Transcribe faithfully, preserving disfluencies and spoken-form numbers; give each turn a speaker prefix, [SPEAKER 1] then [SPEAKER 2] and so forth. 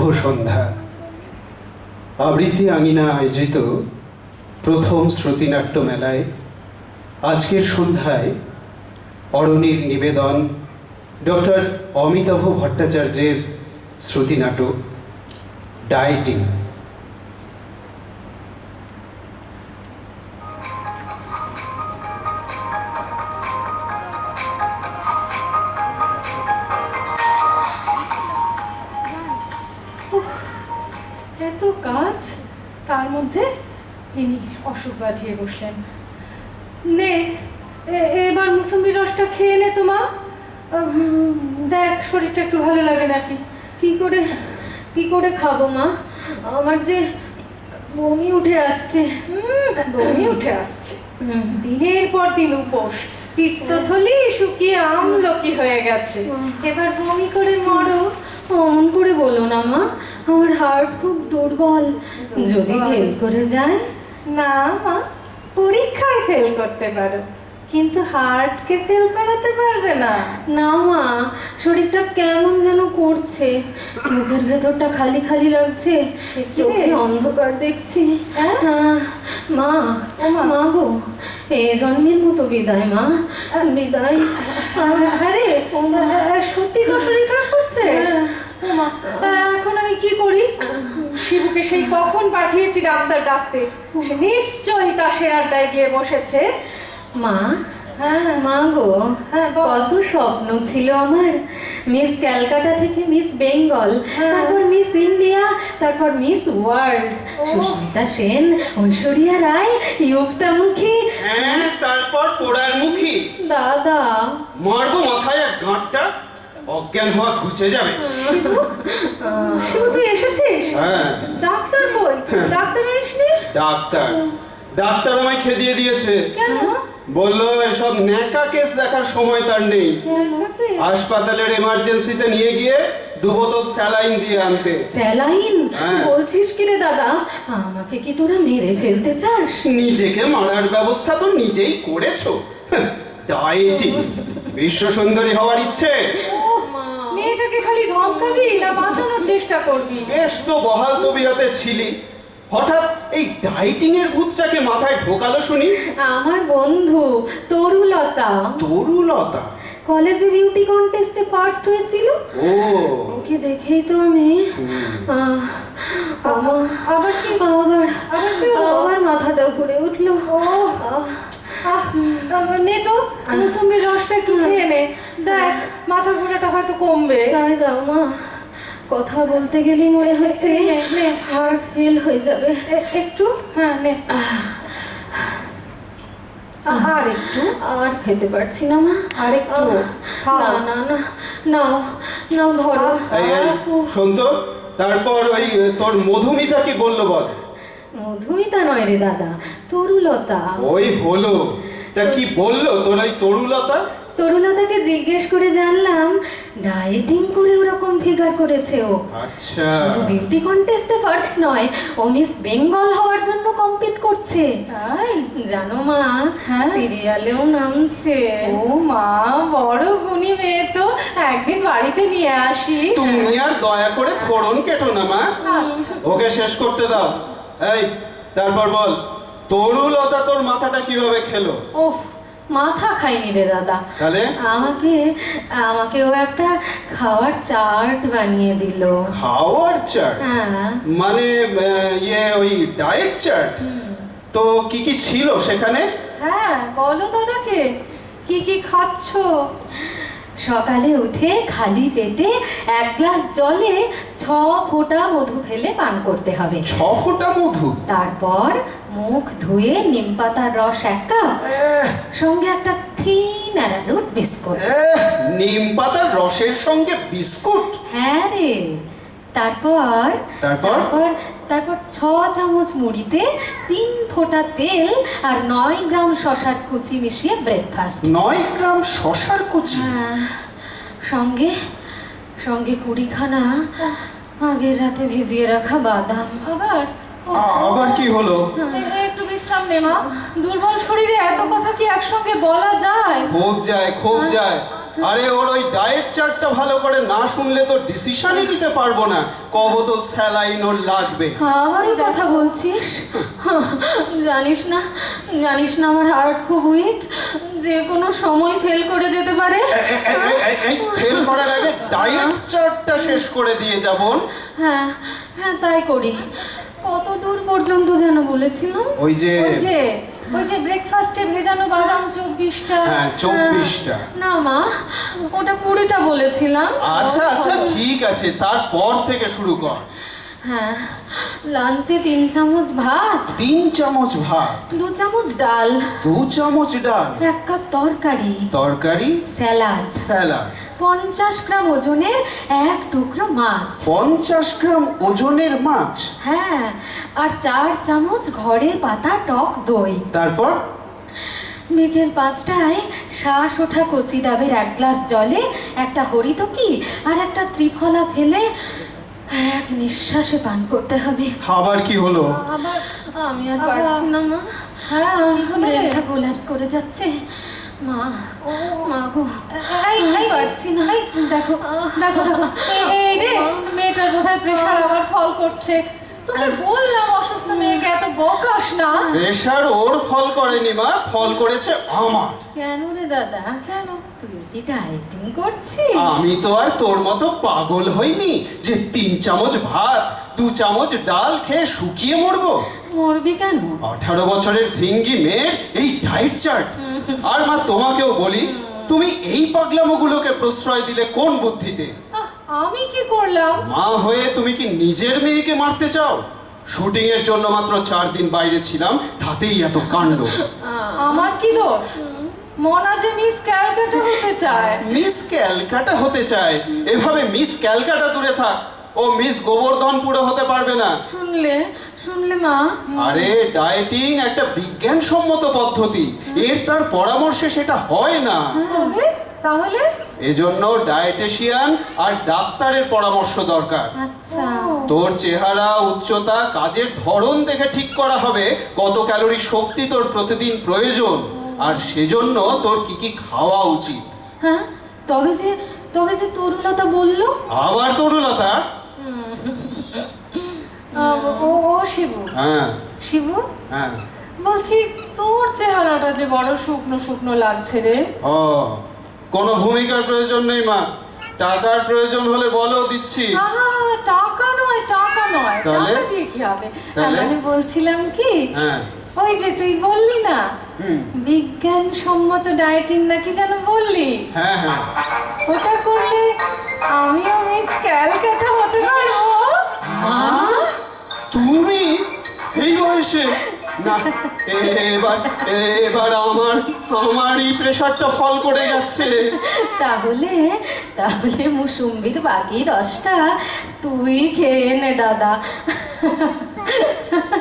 [SPEAKER 1] সন্ধ্যা। আবৃত্তি আঙিনা আয়োজিত প্রথম শ্রুতিনাট্য মেলায় আজকের সন্ধ্যায় অরণির নিবেদন ডক্টর অমিতাভ ভট্টাচার্যের শ্রুতিনাটক ডায়েটিং।
[SPEAKER 2] এত কাজ, তার মধ্যে ইনি অসুখ বাঁধিয়ে বসলেন। নে এবার মুসম্বি রসটা খেয়ে নে তো মা, দেখ শরীরটা একটু ভালো লাগে নাকি।
[SPEAKER 3] কি করে কি করে খাবো মা? আমার যে বমি উঠে আসছে।
[SPEAKER 2] বমি উঠে আসছে? দিনের পর দিন উপোস, পিত্তথলি শুকিয়ে আমলকি হয়ে গেছে, এবার বমি করে মরো।
[SPEAKER 3] অমন করে বলো না মা, আমার হার্ট খুব দুর্বল, যদি ফেল করে যায়।
[SPEAKER 2] না মা, পরীক্ষায় ফেল করতে পারো, কিন্তু হার্টকে ফেল করাতে পারবে না।
[SPEAKER 3] না মা, শরীরটা কেমন যেন করছে, মুখের ভেতরটা খালি খালি লাগছে, চোখে অন্ধকার দেখছি।
[SPEAKER 2] হ্যাঁ?
[SPEAKER 3] মা মা গো, এ জন্মের মতো বিদায় মা, বিদায়।
[SPEAKER 2] আরে সত্যি তো শরীর খারাপ করছে? এখন আমি কি করি? শিবুকে সেই কখন পাঠিয়েছি ডাক্তার ডাকতে, সে নিশ্চয়ই তাসের আড্ডায় গিয়ে বসেছে।
[SPEAKER 3] মা
[SPEAKER 2] হ্যাঁ
[SPEAKER 3] মা গো,
[SPEAKER 2] হ্যাঁ,
[SPEAKER 3] কত স্বপ্ন ছিল আমার, মিস ক্যালকাটা থেকে মিস বেঙ্গল, তারপর মিস ইন্ডিয়া, তারপর মিস ওয়ার্ল্ড, সুস্মিতা সেন, ঐশ্বরিয়া রায়, ইউক্তামুখী,
[SPEAKER 1] হ্যাঁ, তারপর পোড়ার মুখী।
[SPEAKER 3] দাদা
[SPEAKER 1] মারবো মাথায় এক গাঁটটা, অজ্ঞান হওয়া ঘুচে যাবে।
[SPEAKER 2] শিবু, শিবু তুই এসেছিস?
[SPEAKER 1] হ্যাঁ।
[SPEAKER 2] ডাক্তার কই? ডাক্তার আনিসনি?
[SPEAKER 1] ডাক্তার ডাক্তার আমায় খেদিয়ে দিয়েছে।
[SPEAKER 2] কেন?
[SPEAKER 1] বললো এসব ন্যাকা কেস দেখার সময় তার নেই, হাসপাতালের এমার্জেন্সিতে নিয়ে গিয়ে দু বোতল স্যালাইন দিয়ে আনতে।
[SPEAKER 3] স্যালাইন?
[SPEAKER 1] হ্যাঁ।
[SPEAKER 3] বলছিস কি রে দাদা, আমাকে কি তোরা মেরে ফেলতে চাস?
[SPEAKER 1] নিজেকে মারার ব্যবস্থা তো নিজেই করেছো। ডায়েটিং, বিশ্ব সুন্দরী হওয়ার ইচ্ছে?
[SPEAKER 2] মেয়েটাকে খালি ধমকাবি না বাঁচানোর চেষ্টা করবি?
[SPEAKER 1] বেশ তো বহাল তবিয়তে ছিলি, হঠাৎ এই ডায়েটিং এর ভূতটাকে মাথায় ঢোকালো শুনি।
[SPEAKER 3] আমার বন্ধু তরুলতা।
[SPEAKER 1] তরুলতা?
[SPEAKER 3] কলেজে বিউটি কন্টেস্টে ফার্স্ট হয়েছিল।
[SPEAKER 1] ও,
[SPEAKER 3] ওকে দেখেই তো আমি আহ, আমার
[SPEAKER 2] আবার কি?
[SPEAKER 3] আবার
[SPEAKER 2] আবার কি হলো?
[SPEAKER 3] আবার মাথাটা ঘুরে উঠলো।
[SPEAKER 2] ও আহ, নে তো মুসম্বির রসটা একটু খেয়ে নে, দেখ মাথা ঘোরাটা হয়তো কমবে।
[SPEAKER 3] তাই দাও মা, কথা বলতে গেলেই মনে হচ্ছে
[SPEAKER 2] নে, নে।
[SPEAKER 3] হার্ট ফেল হয়ে যাবে।
[SPEAKER 2] এ- একটু, হ্যাঁ নে। আর একটু,
[SPEAKER 3] আর খেতে পারছি না মা,
[SPEAKER 2] আর একটু খাও।
[SPEAKER 3] না না না, নাও নাও ধরো।
[SPEAKER 1] এই এই, শোন তো, তারপর ওই তোর মধুমিতা কি বললো বল?
[SPEAKER 3] মধুমিতা নয় রে দাদা, তরুলতা।
[SPEAKER 1] ওই হলো, তা কি বললো তোর ওই তরুলতা?
[SPEAKER 3] তরুলতাকে জিজ্ঞেস করে জানলাম ডায়েটিং করে ওরকম ফিগার করেছে ও।
[SPEAKER 1] আচ্ছা,
[SPEAKER 3] শুধু বিউটি কন্টেস্টে ফার্স্ট নয়, ও মিস বেঙ্গল হওয়ার জন্য কম্পিট করছে।
[SPEAKER 2] তাই?
[SPEAKER 3] জানো মা,
[SPEAKER 2] হ্যাঁ?
[SPEAKER 3] সিরিয়ালেও নামছে।
[SPEAKER 2] ও মা, বড় গুণী মেয়ে তো, একদিন বাড়িতে নিয়ে আসিস।
[SPEAKER 1] তুমি আর দয়া করে ফোড়ন কেটো না মা,
[SPEAKER 2] আচ্ছা।
[SPEAKER 1] ওকে শেষ করতে দাও। এই, তারপর বল, তরুলতা তোর মাথাটা কিভাবে খেলো?
[SPEAKER 3] ওফ, মাথা খাইনি রে দাদা,
[SPEAKER 1] তাহলে?
[SPEAKER 3] আমাকে আমাকে ও একটা খাওয়ার চার্ট বানিয়ে দিল।
[SPEAKER 1] খাওয়ার চার্ট?
[SPEAKER 3] হ্যাঁ।
[SPEAKER 1] মানে আহ, ইয়ে ওই ডায়েট চার্ট? তো কি কি ছিল সেখানে?
[SPEAKER 2] হ্যাঁ বলো দাদাকে, কি কি খাচ্ছ?
[SPEAKER 3] সকালে উঠে খালি পেটে এক গ্লাস জলে ছ ফোঁটা মধু ফেলে পান করতে হবে।
[SPEAKER 1] ছ ফোঁটা মধু?
[SPEAKER 3] তারপর মুখ ধুয়ে নিম পাতার রস এক কাপ,
[SPEAKER 1] এহ,
[SPEAKER 3] সঙ্গে একটা থিন অ্যারারুট বিস্কুট।
[SPEAKER 1] এহ, নিম পাতার রসের সঙ্গে বিস্কুট?
[SPEAKER 3] হ্যাঁ রে। তারপর
[SPEAKER 1] তারপর?
[SPEAKER 3] তারপর তারপর ছ চামচ মুড়িতে তিন ফোঁটা তেল আর নয় গ্রাম শশার কুচি মিশিয়ে ব্রেকফাস্ট।
[SPEAKER 1] নয় গ্রাম শশার কুচি?
[SPEAKER 3] হ্যাঁ, সঙ্গে সঙ্গে কুড়িখানা আগের রাতে ভিজিয়ে রাখা বাদাম।
[SPEAKER 2] আবার? ও,
[SPEAKER 1] আ- আবার কি হলো?
[SPEAKER 2] এ- একটু বিশ্রাম নে মা, দুর্বল শরীরে এত কথা কি একসঙ্গে বলা যায়?
[SPEAKER 1] খুব যায়, খুব যায়। আরে ওর ওই ডায়েট চার্টটা ভালো করে না শুনলে তো ডিসিশনই নিতে পারবো না ক বোতল স্যালাইন ওর লাগবে।
[SPEAKER 3] আমারই কথা বলছিস? জানিস না জানিস না আমার হার্ট খুব উইক, যে কোনো সময় ফেল করে যেতে পারে।
[SPEAKER 1] ফেল করার আগে ডায়েট চার্টটা শেষ করে দিয়ে যাবন।
[SPEAKER 3] হ্যাঁ হ্যাঁ তাই করি। কত দূর পর্যন্ত যেন বলেছিলাম?
[SPEAKER 1] ওই যে
[SPEAKER 2] ওই যে ওই যে ব্রেকফাস্টে ভেজানো বাদাম চব্বিশটা।
[SPEAKER 1] হ্যাঁ চব্বিশটা।
[SPEAKER 3] না মা, ওটা কুড়িটা বলেছিলাম।
[SPEAKER 1] আচ্ছা আচ্ছা ঠিক আছে, তারপর থেকে শুরু কর।
[SPEAKER 3] হ্যাঁ, লাঞ্চে তিন চামচ ভাত,
[SPEAKER 1] তিন চামচ ভাত,
[SPEAKER 3] দু চামচ ডাল,
[SPEAKER 1] দু চামচ ডাল,
[SPEAKER 3] এক কাপ তরকারি,
[SPEAKER 1] তরকারি,
[SPEAKER 3] স্যালাড,
[SPEAKER 1] স্যালাড,
[SPEAKER 3] পঞ্চাশ গ্রাম ওজনের এক টুকরো মাছ।
[SPEAKER 1] পঞ্চাশ গ্রাম ওজনের মাছ।
[SPEAKER 3] হ্যাঁ, আর চার চামচ ঘরের পাতা টক দই।
[SPEAKER 1] তারপর
[SPEAKER 3] বিকেল পাঁচটায় শ্বাস ওঠা কচি ডাবের এক গ্লাস জলে একটা হরিতকি আর একটা ত্রিফলা ফেলে এক নিঃশ্বাসে পান করতে হবে।
[SPEAKER 1] খাবার কি হলো?
[SPEAKER 2] আবার
[SPEAKER 3] আমি আর পারছি না মা।
[SPEAKER 2] হ্যাঁ
[SPEAKER 3] ব্রেনটা কোল্যাপস করে যাচ্ছে মা। মা গো,
[SPEAKER 2] এই, এই,
[SPEAKER 3] পারছি না।
[SPEAKER 2] এই, দেখো দেখো দেখো এই- এই রে মেয়েটার বোধহয় প্রেশার আবার ফল করছে। তোকে বললাম অসুস্থ মেয়েকে এত বকাস না।
[SPEAKER 1] প্রেশার ওর ফল করেনি মা, ফল করেছে আমার।
[SPEAKER 3] কেন রে দাদা?
[SPEAKER 2] কেন?
[SPEAKER 3] তুই কি ডায়েটিং করছিস?
[SPEAKER 1] আমি তো আর তোর মতো পাগল হইনি যে তিন চামচ ভাত দু চামচ ডাল খেয়ে শুকিয়ে মরবো।
[SPEAKER 3] মরবি কেন?
[SPEAKER 1] আঠারো বছরের ভিঙ্গি মেয়ের এই ডায়েট চার্ট। আর মা তোমাকেও বলি, তুমি এই পাগলামোগুলোকে প্রশ্রয় দিলে কোন বুদ্ধিতে?
[SPEAKER 2] আহ, আমি কি করলাম?
[SPEAKER 1] মা হয়ে তুমি কি নিজের মেয়েকে মারতে চাও? শুটিং এর জন্য মাত্র চার দিন বাইরে ছিলাম, তাতেই এত কাণ্ড।
[SPEAKER 2] আমার কি দোষ? মনা যে মিস ক্যালকাটা হতে চায়।
[SPEAKER 1] মিস ক্যালকাটা হতে চায়? এভাবে মিস ক্যালকাটা দূরে থাক, ও মিস গোবর্ধনপুরে হতে পারবে না।
[SPEAKER 3] শুনলে শুনলে মা?
[SPEAKER 1] আরে ডায়েটিং একটা বিজ্ঞানসম্মত পদ্ধতি, এর তার পরামর্শে সেটা হয় না।
[SPEAKER 2] তবে তাহলে
[SPEAKER 1] এজন্য ডায়েটেশিয়ান আর ডাক্তারের পরামর্শ দরকার।
[SPEAKER 3] আচ্ছা,
[SPEAKER 1] তোর চেহারা, উচ্চতা, কাজের ধরন দেখে ঠিক করা হবে কত ক্যালোরি শক্তি তোর প্রতিদিন প্রয়োজন, আর সেজন্য তোর কি কি খাওয়া উচিত।
[SPEAKER 3] হ্যাঁ, তবে যে তবে যে তরুলতা বললো।
[SPEAKER 1] আবার তরুলতা?
[SPEAKER 2] আহ, ও ও শিবু
[SPEAKER 1] হ্যাঁ
[SPEAKER 2] শিবু
[SPEAKER 1] হ্যাঁ।
[SPEAKER 2] বলছি তোর চেহারাটা যে বড় শুকনো শুকনো লাগছে রে।
[SPEAKER 1] ও, কোনো ভূমিকার প্রয়োজন নেই মা, টাকার প্রয়োজন হলে বলো, দিচ্ছি।
[SPEAKER 2] আহা, টাকা নয় টাকা নয়
[SPEAKER 1] তাহলে?
[SPEAKER 2] টাকা দিয়ে কি হবে?
[SPEAKER 1] তাহলে?
[SPEAKER 2] মানে বলছিলাম কি,
[SPEAKER 1] হ্যাঁ
[SPEAKER 2] ওই যে তুই বললি না
[SPEAKER 1] হুম
[SPEAKER 2] বিজ্ঞানসম্মত ডায়েটিং নাকি যেন বললি,
[SPEAKER 1] হ্যাঁ হ্যাঁ।
[SPEAKER 2] ওটা করলে আমিও মিস ক্যালকাটা হতে পারবো।
[SPEAKER 1] তুমি এই বয়সে? না, এবার এবার আমার আমারই প্রেশারটা ফল করে যাচ্ছে।
[SPEAKER 3] তাহলে তাহলে মুসুম্বির বাকি রসটা তুই খেয়ে নে দাদা।